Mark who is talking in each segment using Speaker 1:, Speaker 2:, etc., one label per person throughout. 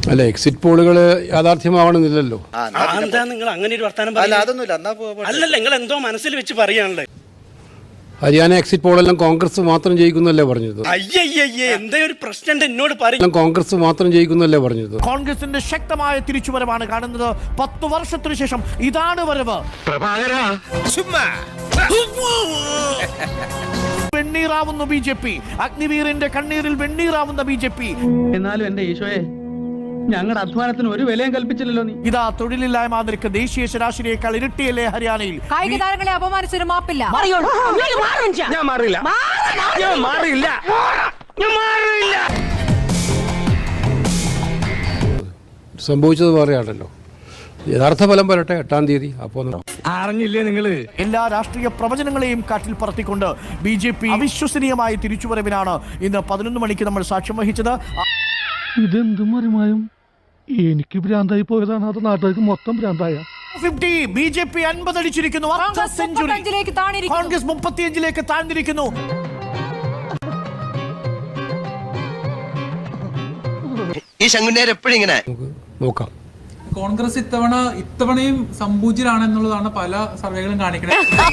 Speaker 1: അല്ല, എക്സിറ്റ് പോളുകൾ യാഥാർത്ഥ്യമാവണമെന്നില്ലല്ലോ.
Speaker 2: എന്താ നിങ്ങൾ അങ്ങനെ ഒരു വർത്തമാനം അല്ലല്ല, നിങ്ങൾ എന്തോ മനസ്സിൽ വെച്ച് പറയാണല്ലേ.
Speaker 1: ഹരിയാന എക്സിറ്റ് പോളെല്ലാം കോൺഗ്രസ് മാത്രം ജയിക്കുന്നല്ലേ പറഞ്ഞത്.
Speaker 2: അയ്യയ്യേ, എന്താ ഒരു പ്രശ്നം എന്നോട് പറയും.
Speaker 1: കോൺഗ്രസ് മാത്രം ജയിക്കുന്നല്ലേ പറഞ്ഞത്.
Speaker 3: കോൺഗ്രസിന്റെ ശക്തമായ തിരിച്ചുവരവാണ് കാണുന്നത്. 10 വർഷത്തിനു ശേഷം ഇതാണ് വരവ്. വെണ്ണീറാവുന്നു BJP. അഗ്നിവീറിന്റെ കണ്ണീരിൽ വെണ്ണീറാവുന്ന BJP.
Speaker 4: എന്നാലും എന്റെ ഈശോയെ, ഞങ്ങളുടെ അധ്വാനത്തിന് ഒരു വിലയും കൽപ്പിച്ചില്ലല്ലോ നീ.
Speaker 3: ഇതാ തൊഴിലില്ലായ്മ നിരക്ക് ദേശീയ ശരാശരിയേക്കാൾ ഇരട്ടിയല്ലേ ഹരിയാനയിൽ.
Speaker 5: കായിക താരങ്ങളെ അപമാനിച്ചൊരു മാപ്പില്ല.
Speaker 4: ഞാൻ മാറില്ല.
Speaker 1: സംഭവിച്ചത് പറയാണല്ലോ. യഥാർത്ഥ ഫലം വരട്ടെ 8-ാം തീയതി. അപ്പോൾ
Speaker 4: അറിഞ്ഞില്ലേ നിങ്ങള്?
Speaker 3: എല്ലാ രാഷ്ട്രീയ പ്രവചനങ്ങളെയും കാറ്റിൽ പറത്തിക്കൊണ്ട് BJP അവിശ്വസനീയമായ തിരിച്ചുവരവിനാണ് ഇന്ന് 11 മണിക്ക് നമ്മൾ സാക്ഷ്യം വഹിച്ചത്.
Speaker 6: ഇതെന്തും മറിമായും എനിക്ക് ഭ്രാന്തായി പോയതാണ്, അത് നാട്ടുകാർക്ക് മൊത്തം ഭ്രാന്തായ.
Speaker 3: BJP 50 അടിച്ചിരിക്കുന്നു. കോൺഗ്രസ് 35ലേക്ക് താഴ്ന്നിരിക്കുന്നു.
Speaker 7: ഈ ശങ്കുന്നേർ എപ്പോഴും ഇങ്ങനെ
Speaker 1: നോക്കാം.
Speaker 8: കോൺഗ്രസ് ഇത്തവണയും സംപൂജ്യരാണെന്നുള്ളതാണ് പല സർവേകളും കാണിക്കുന്നത്.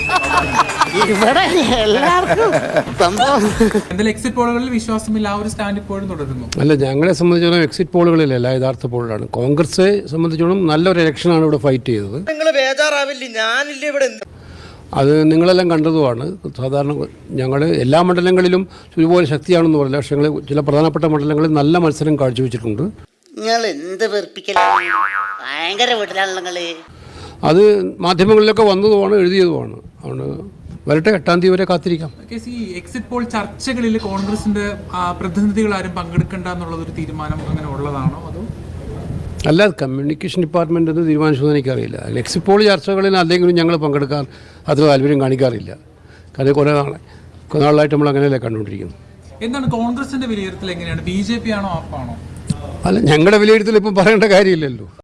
Speaker 8: എന്തായാലും എക്സിറ്റ് പോളുകളിൽ വിശ്വാസമില്ല, ആ ഒരു സ്റ്റാൻഡ് ഇപ്പോഴും തുടരുന്നു.
Speaker 1: അല്ല, ഞങ്ങളെ സംബന്ധിച്ചിടത്തോളം എക്സിറ്റ് പോളുകളിലല്ല, യഥാർത്ഥ പോളിലാണ്. കോൺഗ്രസ് സംബന്ധിച്ചിടത്തോളം നല്ലൊരു ഇലക്ഷനാണ് ഇവിടെ ഫൈറ്റ് ചെയ്തത്.
Speaker 2: നിങ്ങൾ ബേജാറാവില്ലേ, ഞാനില്ലേ ഇവിടെ.
Speaker 1: അത് നിങ്ങളെല്ലാം കണ്ടതുമാണ്. സാധാരണ ഞങ്ങൾ എല്ലാ മണ്ഡലങ്ങളിലും ഒരുപോലെ ശക്തിയാണെന്ന് പറയില്ല, പക്ഷേ ഞങ്ങൾ ചില പ്രധാനപ്പെട്ട മണ്ഡലങ്ങളിൽ നല്ല മത്സരം കാഴ്ചവെച്ചിട്ടുണ്ട്.
Speaker 9: നിങ്ങൾ എന്ത് വെറുപ്പിക്കലാണ്, ഭയങ്കര വീട്ടിലാണല്ലോ നിങ്ങള്.
Speaker 1: അത് മാധ്യമങ്ങളിലൊക്കെ വന്നതുമാണ്, എഴുതിയതുമാണ്. അതുകൊണ്ട് വരട്ടെ, 8-ാം തീയതി വരെ കാത്തിരിക്കാം.
Speaker 8: ഈ എക്സിറ്റ് പോൾ ചർച്ചകളിൽ കോൺഗ്രസിന്റെ പ്രതിനിധികൾ ആരും പങ്കെടുക്കണ്ട എന്നുള്ളതൊരു തീരുമാനം അങ്ങനെ ഉള്ളതാണോ അതോ?
Speaker 1: അല്ല, കമ്മ്യൂണിക്കേഷൻ ഡിപ്പാർട്ട്മെന്റ് എന്ന് തീരുമാനിച്ചതെന്ന് എനിക്കറിയില്ല. എക്സിറ്റ് പോൾ ചർച്ചകളിൽ അല്ലെങ്കിലും ഞങ്ങൾ പങ്കെടുക്കാൻ അത്ര താല്പര്യം കാണിക്കാറില്ല. കാരണം കുറേ നാളായിട്ട് നമ്മൾ അങ്ങനെയല്ലേ കണ്ടുകൊണ്ടിരിക്കുന്നു.
Speaker 8: എന്താണ് കോൺഗ്രസിന്റെ വിലയിരുത്തൽ? എങ്ങനെയാണ്? BJP ആണോ ആപ്പാണോ?
Speaker 1: അല്ല, ഞങ്ങളുടെ വിലയിരുത്തൽ ഇപ്പം പറയേണ്ട കാര്യമില്ലല്ലോ.